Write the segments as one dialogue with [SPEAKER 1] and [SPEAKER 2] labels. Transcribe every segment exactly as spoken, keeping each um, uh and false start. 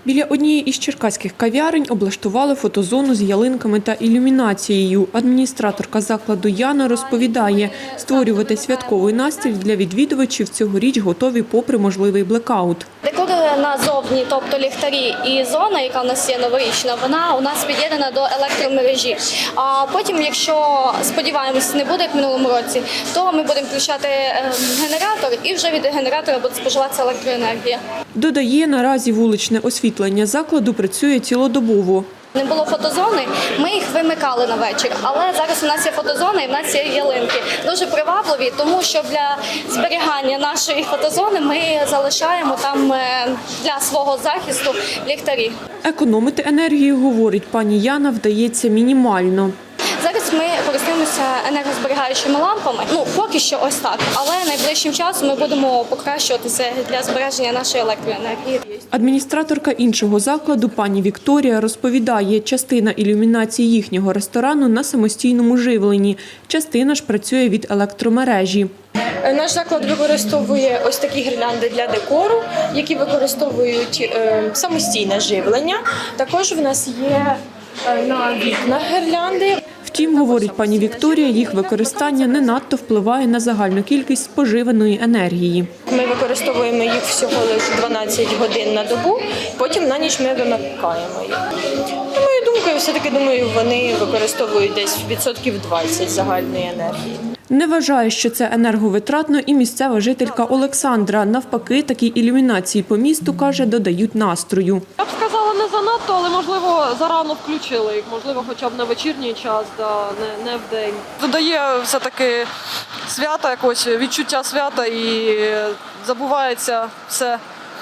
[SPEAKER 1] Біля однієї із черкаських кав'ярень облаштували фотозону з ялинками та ілюмінацією. Адміністраторка закладу Яна розповідає, створювати святковий настрій для відвідувачів цьогоріч готові попри можливий блекаут.
[SPEAKER 2] Декор назовні, тобто ліхтарі і зона, яка у нас є новорічна, вона у нас під'єднана до електромережі. А потім, якщо, сподіваємось, не буде як в минулому році, то ми будемо включати генератор і вже від генератора буде споживатися електроенергія.
[SPEAKER 1] Додає, наразі вуличне освітлення закладу працює цілодобово.
[SPEAKER 2] Не було фотозони, ми їх вимикали на вечір, але зараз у нас є фотозона і в нас є ялинки. Дуже привабливі, тому що для зберігання нашої фотозони ми залишаємо там для свого захисту ліхтарі.
[SPEAKER 1] Економити енергію, говорить пані Яна, вдається мінімально.
[SPEAKER 2] Зараз ми користуємося енергозберігаючими лампами. Ну, поки що ось так. Але найближчим часом ми будемо покращуватися для збереження нашої електроенергії.
[SPEAKER 1] Адміністраторка іншого закладу, пані Вікторія, розповідає, частина ілюмінації їхнього ресторану на самостійному живленні. Частина ж працює від електромережі.
[SPEAKER 3] Наш заклад використовує ось такі гірлянди для декору, які використовують е, самостійне живлення. Також в нас є е, на вікнах гірлянди.
[SPEAKER 1] Втім, говорить пані Вікторія, їх використання не надто впливає на загальну кількість споживаної енергії.
[SPEAKER 3] Ми використовуємо їх всього лише дванадцять годин на добу, потім на ніч ми вимикаємо їх. Моєю думкою, все-таки, думаю, вони використовують десь відсотків двадцять загальної енергії.
[SPEAKER 1] Не вважає, що це енерговитратно і місцева жителька Олександра. Навпаки, такі ілюмінації по місту, каже, додають настрою.
[SPEAKER 4] Я б сказала, не занадто, але, можливо, зарано включили їх, можливо, хоча б на вечірній час, да, не, не в день. Додає все-таки свята, якось відчуття свята і забувається все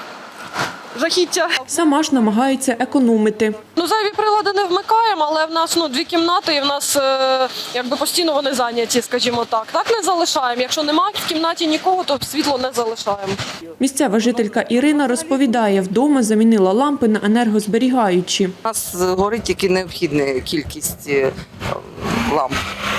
[SPEAKER 4] жахіття.
[SPEAKER 1] Сама ж намагається економити.
[SPEAKER 4] Ну, зайві прилади не вмикаємо, але в нас ну, дві кімнати і в нас е, якби постійно вони зайняті, скажімо так. Так не залишаємо. Якщо немає в кімнаті нікого, то світло не залишаємо.
[SPEAKER 1] Місцева жителька Ірина розповідає, вдома замінила лампи на енергозберігаючі.
[SPEAKER 5] У нас горить тільки необхідна кількість ламп.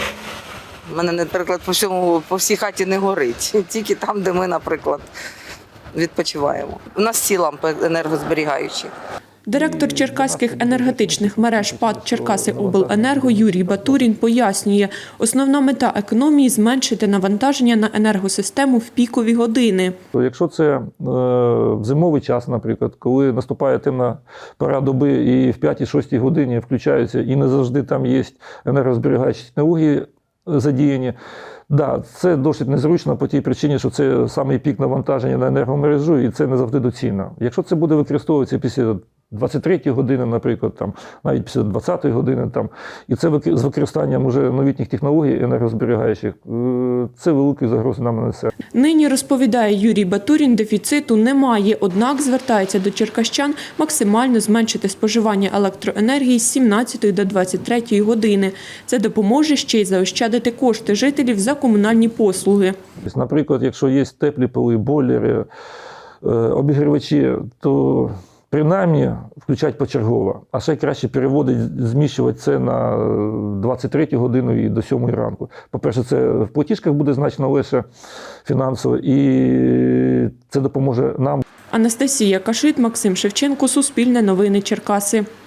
[SPEAKER 5] У мене, наприклад, по всьому, по всій хаті не горить, тільки там, де ми, наприклад, відпочиваємо. У нас всі лампи енергозберігаючі.
[SPEAKER 1] Директор черкаських енергетичних мереж ПАД «Черкасиобленерго» Юрій Батурін пояснює, основна мета економії – зменшити навантаження на енергосистему в пікові години.
[SPEAKER 6] Якщо це е, в зимовий час, наприклад, коли наступає темна пора доби і в п'ятій-шостій годині включаються і не завжди там є енергозберігаючі технології задіяні, да, це досить незручно по тій причині, що це самий пік навантаження на енергомережу і це не завжди доцільно. Якщо це буде використовуватися після двадцять третьої години, наприклад, там, навіть після двадцятої години, там, і це з використанням уже новітніх технологій енергозберігаючих, це великі загрози нам несе.
[SPEAKER 1] Нині, розповідає Юрій Батурін, дефіциту немає, однак звертається до черкащан максимально зменшити споживання електроенергії з сімнадцятої до двадцять третьої години. Це допоможе ще й заощадити кошти жителів за комунальні послуги.
[SPEAKER 6] Наприклад, якщо є теплі поли, бойлери, обігрівачі, то принаймні включати почергово, а ще краще переводити, зміщувати це на двадцять третю годину і до сьомої ранку. По-перше, це в платіжках буде значно легше фінансово і це допоможе нам.
[SPEAKER 1] Анастасія Кашит, Максим Шевченко, Суспільне новини Черкаси.